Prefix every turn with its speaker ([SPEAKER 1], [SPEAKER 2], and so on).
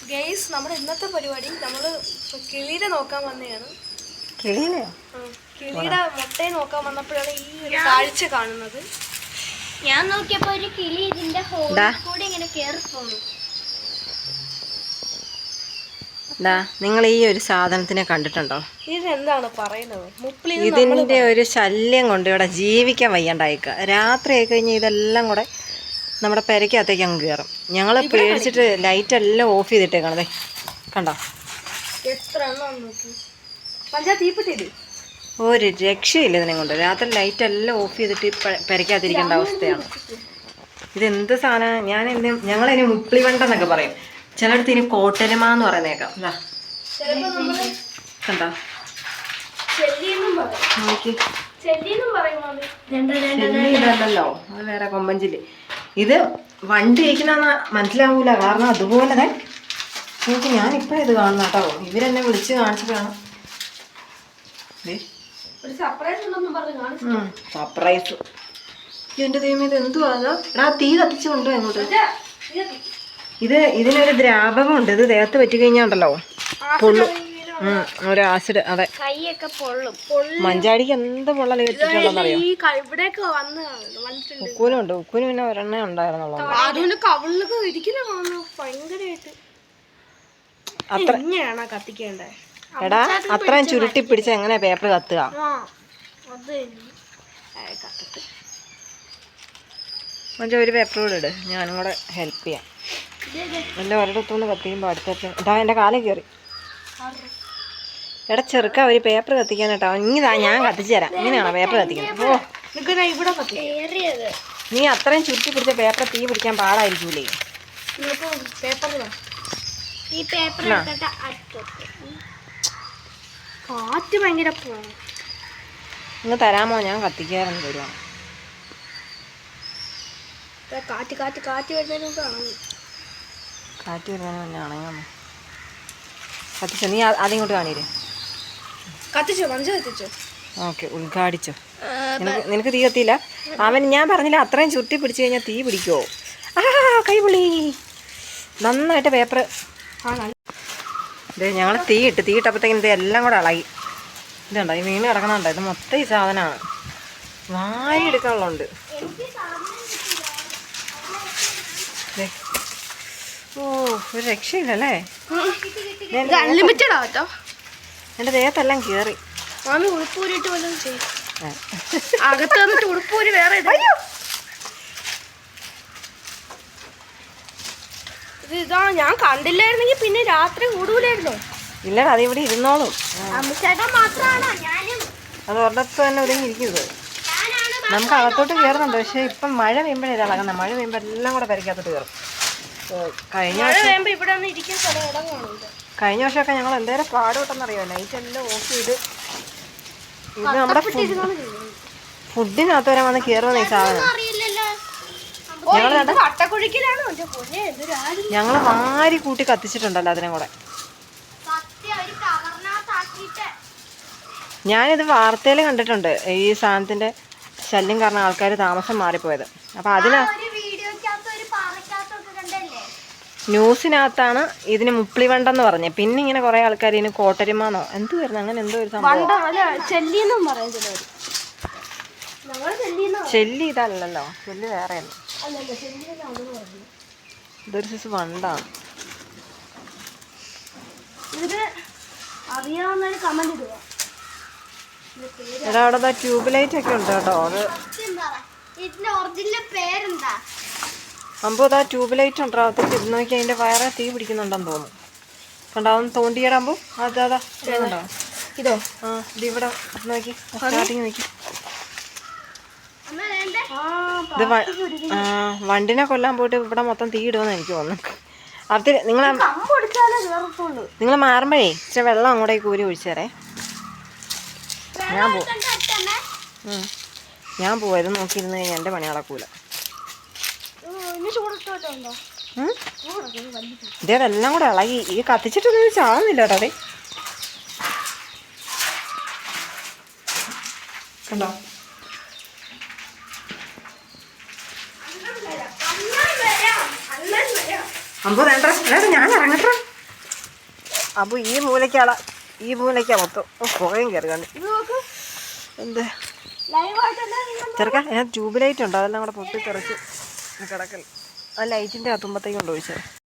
[SPEAKER 1] Guys നമ്മുടെ ഇന്നത്തെ പരിപാടി നമ്മൾ കിളിയുടെ നോക്കാൻ വന്നതാണ്.
[SPEAKER 2] കിളിയിലെയോ?
[SPEAKER 1] കിളിയുടെ മുട്ടയെ നോക്കാൻ വന്നപ്പോഴാണ് ഈ ഒരു കാഴ്ച കാണുന്നത്.
[SPEAKER 3] ഞാൻ നോക്കിയപ്പോ ഒരു കിളി ഇതിന്റെ ഹോളിൽ കൂടി ഇങ്ങനെ കേറി പോന്നു.
[SPEAKER 2] നിങ്ങൾ ഈ ഒരു സാധനത്തിനെ കണ്ടിട്ടുണ്ടോ?
[SPEAKER 1] ഇതെന്താണ് പറയുന്നത്?
[SPEAKER 2] ഇതിന്റെ ഒരു ശല്യം കൊണ്ട് ഇവിടെ ജീവിക്കാൻ വയ്യാണ്ടായിക്ക. രാത്രി ആയി കഴിഞ്ഞാൽ ഇതെല്ലാം കൂടെ നമ്മുടെ പെരക്കകത്തേക്ക് അങ്ങ് കയറും. ഞങ്ങൾ പേടിച്ചിട്ട് ലൈറ്റ് എല്ലാം ഓഫ് ചെയ്തിട്ടേക്കണതേ, കണ്ടോ?
[SPEAKER 1] എത്ര എണ്ണം നോക്കി പഞ്ചായത്ത്
[SPEAKER 2] ഒരു രക്ഷയില്ല ഇതിനെ കൊണ്ട്. രാത്രി ലൈറ്റ് എല്ലാം ഓഫ് ചെയ്തിട്ട് പെരക്കകത്തിരിക്കേണ്ട അവസ്ഥയാണ്. ഇതെന്ത് സാധനം? ഞങ്ങളതിന് മുപ്പിളിവണ്ടെന്നൊക്കെ പറയും, ചിലടത്ത് ഇനി കോട്ടരുമാന്ന് പറയുന്നേക്കാം. കണ്ടോ? ഇതല്ലല്ലോ, അത് വേറെ കൊമ്പഞ്ചില്. ഇത് വണ്ടി ഇരിക്കുന്ന മനസ്സിലാവൂല, കാരണം അതുപോലെ നോക്കി. ഞാൻ ഇപ്പഴും ഇത് കാണുന്ന കേട്ടോ, ഇവരെന്നെ വിളിച്ച് കാണിച്ചിട്ടാണ്. സർപ്രൈസ്. എന്റെ ദൈവം, ഇത് എന്തുവാ? എടാ തീ കത്തിച്ചു കൊണ്ടോ അങ്ങോട്ട്. ഇതിനൊരു ദ്രാവകമുണ്ട്, ഇത് ദേഹത്ത് പറ്റിക്കഴിഞ്ഞാണ്ടല്ലോ പൊള്ളും. ഒരു ആസിഡ്. അതെ,
[SPEAKER 3] കൈയൊക്കെ പൊള്ളും.
[SPEAKER 2] മഞ്ചാടിക്ക് എന്ത് പൊള്ളൽ കിട്ടിയിട്ടുണ്ടെന്നറിയോ? ഉക്കൂനുണ്ട്. ഉക്കൂന് പിന്നെ ഒരെണ്ണേ ഉണ്ടായിരുന്നുള്ളൂ. എടാ, അത്രയും ചുരുട്ടി പിടിച്ച് എങ്ങനെ പേപ്പർ കത്തുക? മഞ്ച ഒരു പേപ്പർ കൂടെ ഇട്, ഞാനും കൂടെ ഹെൽപ്പ് ചെയ്യാം. എൻ്റെ ഒരിടത്തുനിന്ന് കത്തിക്കുമ്പോൾ അടുത്ത ഇതാ എൻ്റെ കാലം കയറി. എടാ ചെറുക്ക, ഒരു പേപ്പർ കത്തിക്കാനട്ടോ. ഇങ്ങതാ, ഞാൻ കത്തിച്ചു തരാം. ഇങ്ങനെയാണോ പേപ്പർ കത്തിക്കുന്നത്? ഓ, നീ അത്രയും ചുരുട്ടി പിടിച്ച പേപ്പർ തീ പിടിക്കാൻ പാടായിരിക്കൂലേ?
[SPEAKER 1] കാറ്റ് ഭയങ്കര
[SPEAKER 2] ഇങ്ങ് തരാമോ? ഞാൻ കത്തിക്കാറെന്ന് തരുവാണ്.
[SPEAKER 1] കാറ്റ് കാറ്റ് കാറ്റ് വരുന്നതിന് മുമ്പ്
[SPEAKER 2] കാറ്റ് വരുന്നതിന് മുന്നേ അണങ്ങാമോ? കത്തിച്ചോ? നീ ആദ്യം ഇങ്ങോട്ട് കാണിയില്ലേ?
[SPEAKER 1] കത്തിച്ചോ? മഞ്ച കത്തിച്ചോ?
[SPEAKER 2] ഓക്കെ, ഉദ്ഘാടിച്ചോ. നിനക്ക് തീ കത്തിയില്ല? ഞാൻ പറഞ്ഞില്ല, അത്രയും ചുരുട്ടി പിടിച്ചു കഴിഞ്ഞാൽ തീ പിടിക്കുമോ? കൈപൊളി. നന്നായിട്ട് പേപ്പർ ഇത് ഞങ്ങൾ തീയിട്ടപ്പോഴത്തേക്കും ഇത് എല്ലാം കൂടെ ഇളകി. ഇതുണ്ടോ, ഈ വീണ് കിടക്കണുണ്ടോ? ഇത് മൊത്തം ഈ സാധനമാണ്, വാരി എടുക്കാനുള്ളതുണ്ട്. ഓ, ഒരു രക്ഷയില്ലല്ലേ? എൻ്റെ ദേഹത്തെല്ലാം കയറി.
[SPEAKER 1] ഉടുപ്പൂരിട്ട് വല്ലതും ചെയ്യും. അകത്ത് വന്നിട്ട് ഉടുപ്പൂര് വേറെ ഇതാ. ഞാൻ കണ്ടില്ലായിരുന്നെങ്കിൽ പിന്നെ രാത്രി കൂടൂലായിരുന്നോ?
[SPEAKER 2] ഇല്ലടാ, അത് ഇവിടെ ഇരുന്നോളും. അത് ഒരിടത്ത് തന്നെ ഒതുങ്ങിയിരിക്കുന്നത്. നമുക്ക് അകത്തോട്ട് കയറുന്നുണ്ട്, പക്ഷെ ഇപ്പം മഴ പെയ്യുമ്പോഴേ ഇത് ഇളകുന്നത്. മഴ പെയ്യുമ്പോൾ എല്ലാം കൂടെ പെരക്കകത്തോട്ട് കയറും. കഴിഞ്ഞ വർഷമൊക്കെ ഞങ്ങൾ എന്തേലും പാടുപെട്ടെന്നറിയോ? ലൈറ്റ് എല്ലാം ഓഫ് ചെയ്ത്. ഇത് നമ്മുടെ ഫുഡിനകത്ത് വരെ വന്ന് കയറുന്ന ഈ സാധനം. ഞങ്ങൾ വാരി കൂട്ടി കത്തിച്ചിട്ടുണ്ടല്ലോ അതിനെ കൂടെ. ഞാനിത് വാർത്തയിൽ കണ്ടിട്ടുണ്ട്, ഈ സാധനത്തിന്റെ ശല്യം കാരണം ആൾക്കാർ താമസം മാറിപ്പോയത്. അപ്പൊ ന്യൂസിനകത്താണ് ഇതിന് മുപ്പിളിവണ്ടെന്ന് പറഞ്ഞത്. പിന്നെ ഇങ്ങനെ കുറെ ആൾക്കാർ ഇതിന് കോട്ടരുമാന്നോ എന്ത് വരുന്നു, അങ്ങനെ എന്തോ ഒരു സംഭവം. ചെല്ലി ഇതല്ലല്ലോ, ചെല്ലി വേറെയല്ല. ഇതൊരു സൈസ് വണ്ടാണ്. എടാ, അവിടെ ട്യൂബ് ലൈറ്റ് ഒക്കെ ഉണ്ട് കേട്ടോ. അത് അമ്പോ, അതാ ട്യൂബ് ലൈറ്റ് ഉണ്ടോ? അത് നോക്കി, അതിന്റെ വയറെ തീ പിടിക്കുന്നുണ്ടെന്ന് തോന്നുന്നു. കണ്ടാവും തോണ്ടിയിടാമ്പോ അതാ ഇതുണ്ടോ? ഇതോ? ഇത് ഇവിടെ നോക്കി, സ്റ്റാർട്ടിങ് നോക്കി. ഇത് വണ്ടിനെ കൊല്ലാൻ പോയിട്ട് ഇവിടെ മൊത്തം തീ ഇടുമെന്ന് എനിക്ക് തോന്നുന്നു. അത് നിങ്ങൾ മാറുമ്പോഴേ ഇച്ചിരി വെള്ളം അങ്ങോട്ടേക്ക് കോരി ഒഴിച്ചേരേ. ഞാൻ പോവാ. ഇത് നോക്കിയിരുന്ന് കഴിഞ്ഞാൽ എൻ്റെ പണി നടക്കൂല. ഇതേതെല്ലാം കൂടെ ഇളകി. ഈ കത്തിച്ചിട്ടൊന്നും ചാവുന്നില്ല കേട്ടോ. അതെ, കണ്ടോ? അമ്പോ വേണ്ട, ഞാൻ ഇറങ്ങട്ടെ. അപ്പോൾ ഈ മൂലയ്ക്കാ മൊത്തം പുകയും കയറി കണ്ടു. ഇത് നോക്ക് എന്ത് ചെറുക്ക ഞാൻ ട്യൂബ് ലൈറ്റ് ഉണ്ടോ അതെല്ലാം കൂടെ പൊട്ടിത്തെറിച്ച് കിടക്കൽ ആ ലൈറ്റിൻ്റെ തുമ്പത്തേക്ക് കൊണ്ട് ഒഴിച്ചത്.